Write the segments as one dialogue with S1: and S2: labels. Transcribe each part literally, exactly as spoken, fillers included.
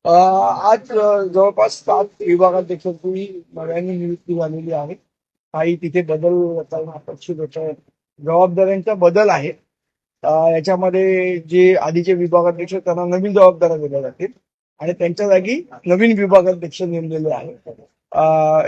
S1: अ, आज अ, जवळपास सात विभागाध्यक्षांची नव्याने नियुक्ती झालेली आहे. काही तिथे बदल करणं अपेक्षित होतं. जबाबदाऱ्यांचा बदल आहे. अ, याच्यामध्ये जे आधीचे विभागाध्यक्ष त्यांना नवीन जबाबदाऱ्या दिल्या जातील आणि त्यांच्या जागी नवीन विभागाध्यक्ष नेमलेले आहेत. अ,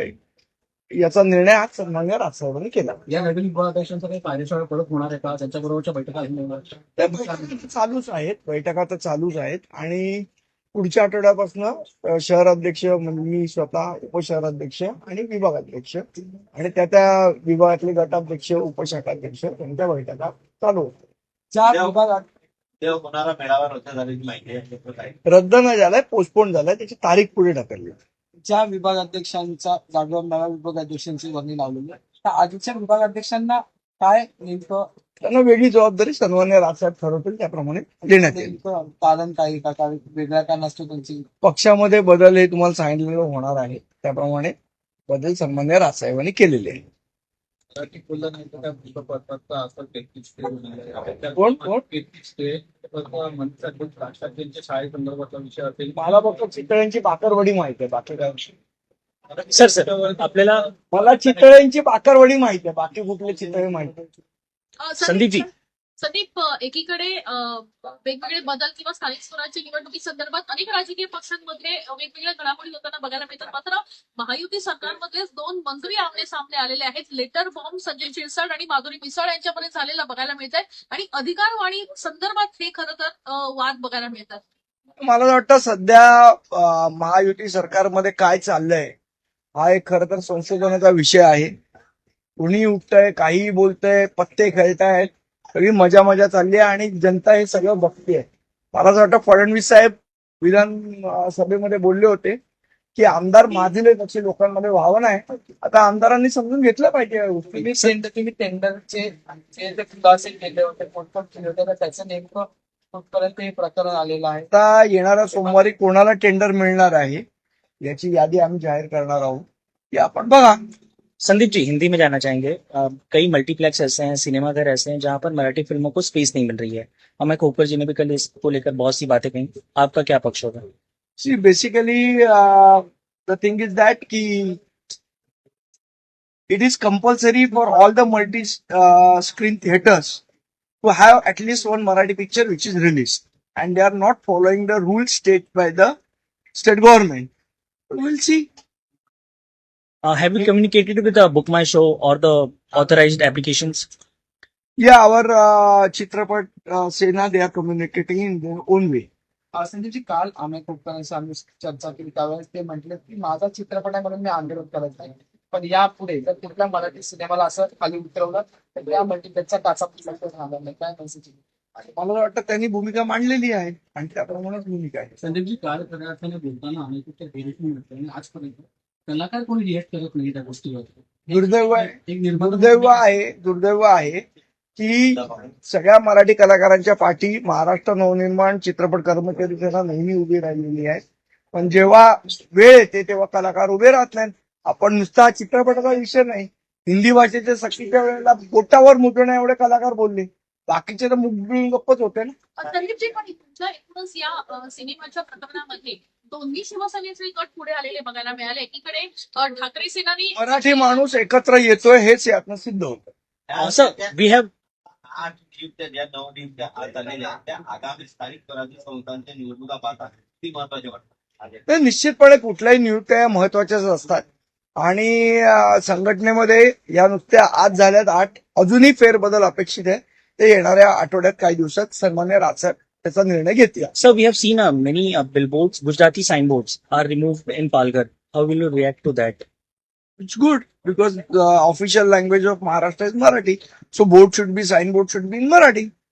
S1: याचा निर्णय आज सन्माननीय राजसाहेबांनी केला.
S2: या नवीन विभागाध्यक्षांचा काही कार्यशाळा परत होणार आहे का? त्यांच्याबरोबरच्या बैठका होणार?
S1: त्या बैठका तर चालूच आहेत बैठका तर चालूच आहेत आणि पुढच्या आठवड्यापासून शहराध्यक्ष म्हणजे मी स्वतः उपशहराध्यक्ष आणि विभागाध्यक्ष आणि त्या त्या विभागातले गटाध्यक्ष उपशाखाध्यक्ष त्यांच्या बैठका चालू होत्या.
S2: चार
S3: त्या-
S2: विभागात
S3: ते होणारा मेळावा रद्द झाल्याची माहिती आहे त्याचं काय?
S1: रद्द न झालाय पोस्टपोन झालाय त्याची तारीख पुढे ढकलली.
S2: ज्या विभागाध्यक्षांचा जागेवर नव्या विभागाध्यक्षांची वर्णी लावलेली आहे, त्या आधीच्या विभागाध्यक्षांना काय नेमकं
S1: त्यांना वेगळी जबाबदारी सन्मान्य राजसाहेब ठरवतील त्याप्रमाणे देण्यात येईल.
S2: नेमकं कारण काय का काय वेगळ्या का नसतो त्यांची?
S1: पक्षामध्ये बदल हे तुम्हाला सांगितलेलं होणार आहे त्याप्रमाणे बदल सन्मान्य राजसाहेबांनी केलेले आहे.
S2: मराठी बोललं नाही तर त्या पुष्पपत्राचा असं तेहतीस ते
S1: कोण कोण
S2: तेहतीस ते मंत्री राष्ट्राध्यक्ष शाळेसंदर्भातला विषय असेल.
S1: मला फक्त चितळ्यांची बाकरवडी माहिती आहे बाकी काय विषय.
S2: सर सर आपल्याला
S1: मला चितळ्यांची बाकरवडी माहिती आहे बाकी कुठले चितळे माहिती आहे.
S4: अ,
S2: संदीपजी.
S4: संदीप अ, एकीकडे अ, वेगवेगळे बदल किंवा स्थानिक स्वराज्य निवडणुकी संदर्भात अनेक राजकीय पक्षांमध्ये अ, वेगवेगळ्या घडामोडी होताना बघायला मिळतात. मात्र महायुती सरकारमधलेच दोन मंत्री आमने सामने आलेले आहेत. लेटर बॉम्ब संजय शिरसाट आणि माधुरी मिसाळ यांच्यामध्ये झालेला बघायला मिळत आहे आणि अधिकारवाणी संदर्भात हे खरं तर अ, वाद बघायला मिळतात.
S1: मला वाटतं सध्या अं, महायुती सरकारमध्ये काय चाललंय हा एक खरं तर संशोधनाचा विषय आहे. कुणी उठतंय काहीही बोलतंय पत्ते खेळतायत सगळी मजा मजा चालली आहे आणि जनता हे सगळं बघतेय. मला असं वाटतं फडणवीस साहेब विधान अं, सभेमध्ये बोलले होते की आमदार माजले तसे लोकांमध्ये व्हावं नाही. आता आमदारांनी समजून घेतलं पाहिजे या गोष्टी.
S2: तुम्ही सेंटर तुम्ही टेंडरचे जे जे खुलासे केले होते पोटपोट केले होते तर त्याचं नेमकं कुठपर्यंत हे प्रकरण आलेलं आहे?
S1: आता येणाऱ्या सोमवारी कोणाला टेंडर मिळणार आहे याची यादी आम्ही जाहीर करणार आहोत की आपण बघा.
S5: संदीप जी, हिंदी में जाना चाहेंगे। अ, कई मल्टीप्लेक्स ऐसे हैं, सिनेमाघर ऐसे हैं जहां पर मराठी फिल्मों को स्पेस नहीं मिल रही है। अमित खोकर जी ने भी कल इसको लेकर बहुत सी बातें कही। आपका क्या पक्ष होगा?
S1: See, basically, uh, the thing is that ki it is compulsory for all the multi uh, screen theaters to have at least one Marathi picture which is released, and they are not following the rules set by the state government. We'll see.
S5: Uh, have you communicated with the Book My Show or the authorized applications?
S1: Yeah, our uh, Chitrapat uh, Sena, they are communicating in their own way.
S2: अं, संदीपजी, काल आम्ही खूप आम्ही चर्चा केली त्यावेळेस ते म्हटले की माझा चित्रपट आहे म्हणून मी आंदोलन करत नाही, पण यापुढे जर कुठल्या मराठी सिनेमाला असं खाली उतरवलं तर त्या मल्टीप्लेक्सचा काचा राहणार नाही. काय मेसेज?
S1: मला वाटतं त्यांनी भूमिका मांडलेली आहे आणि त्याप्रमाणेच भूमिका आहे.
S2: संदीपजी, काल पदार्थाने बोलताना आम्ही कुठे भेटून मिळतो आणि आजपर्यंत कलाकार कोणी रिएक्ट करत नाही त्या गोष्टीवर.
S1: दुर्दैव आहे
S2: एक निर्माता
S1: दुर्दैव आहे दुर्दैव आहे की सगळ्या मराठी कलाकारांच्या पाठी महाराष्ट्र नवनिर्माण चित्रपट कर्मचारी सेना नेहमी उभी राहिलेली आहे. पण जेव्हा वेळ येते तेव्हा कलाकार उभे राहत नाहीत. आपण नुसता चित्रपटाचा विषय नाही, हिंदी भाषेच्या सक्तीच्या वेळेला बोटावर मुद्रणा एवढे कलाकार बोलले, बाकीचे तर मुद्रण गप्पच होते ना.
S4: अ, संदीपजी, पण तुमच्या एकूणच या अ, सिनेमाच्या प्रकरणामध्ये दोन्ही शिवसेनेचे गट पुढे आलेले बघायला मिळाले. एकीकडे अ, ठाकरे सेनानी
S1: मराठी माणूस एकत्र येतोय हेच यातनं सिद्ध होतं.
S5: Uh, sir, we have
S3: आठ नियुक्त्या ज्या नऊ नियुक्त्या आज झालेल्या आहेत, त्या आगामी स्थानिक स्वराज्य संस्थांच्या निवडणुका पाहतात ती महत्वाची वाटतात.
S1: तर निश्चितपणे कुठल्याही नियुक्त्या या महत्वाच्याच असतात आणि अं, संघटनेमध्ये या नुसत्या आज झाल्यात आठ, अजूनही फेरबदल अपेक्षित आहे. ते येणाऱ्या आठवड्यात काही दिवसात सन्मान्य राजसाहेब त्याचा निर्णय घेतील.
S5: sir, we have seen uh, many uh, billboards, Gujarati signboards are removed in Palghar. How will you react to that?
S1: It's good because the official language of Maharashtra is Marathi. So board should be, signboard should be in Marathi.